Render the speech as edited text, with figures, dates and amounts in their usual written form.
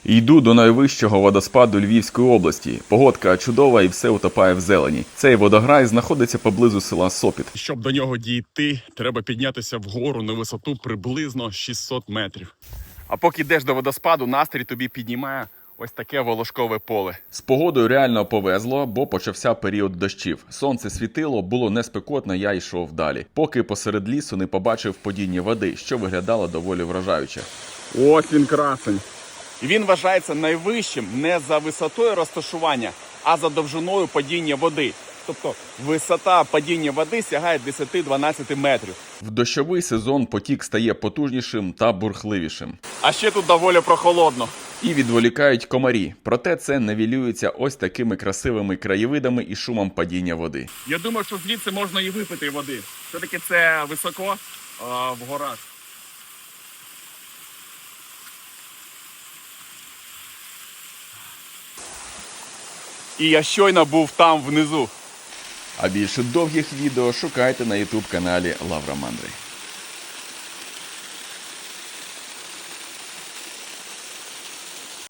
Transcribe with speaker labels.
Speaker 1: Йду до найвищого водоспаду Львівської області. Погодка чудова і все утопає в зелені. Цей водограй знаходиться поблизу села Сопіт.
Speaker 2: Щоб до нього дійти, треба піднятися вгору на висоту приблизно 600 метрів. А поки йдеш до водоспаду, настрій тобі піднімає ось таке волошкове поле.
Speaker 1: З погодою реально повезло, бо почався період дощів. Сонце світило, було не спекотно, я йшов далі. Поки посеред лісу не побачив падіння води, що виглядало доволі вражаюче.
Speaker 2: Ось він красень. І він вважається найвищим не за висотою розташування, а за довжиною падіння води. Тобто висота падіння води сягає 10-12 метрів.
Speaker 1: В дощовий сезон потік стає потужнішим та бурхливішим.
Speaker 2: А ще тут доволі прохолодно.
Speaker 1: І відволікають комарі. Проте це нівелюється ось такими красивими краєвидами і шумом падіння води.
Speaker 2: Я думаю, що звідси можна і випити води. Все-таки це високо в горах. І я щойно був там внизу.
Speaker 1: А більше довгих відео шукайте на YouTube каналі Лавра Мандри.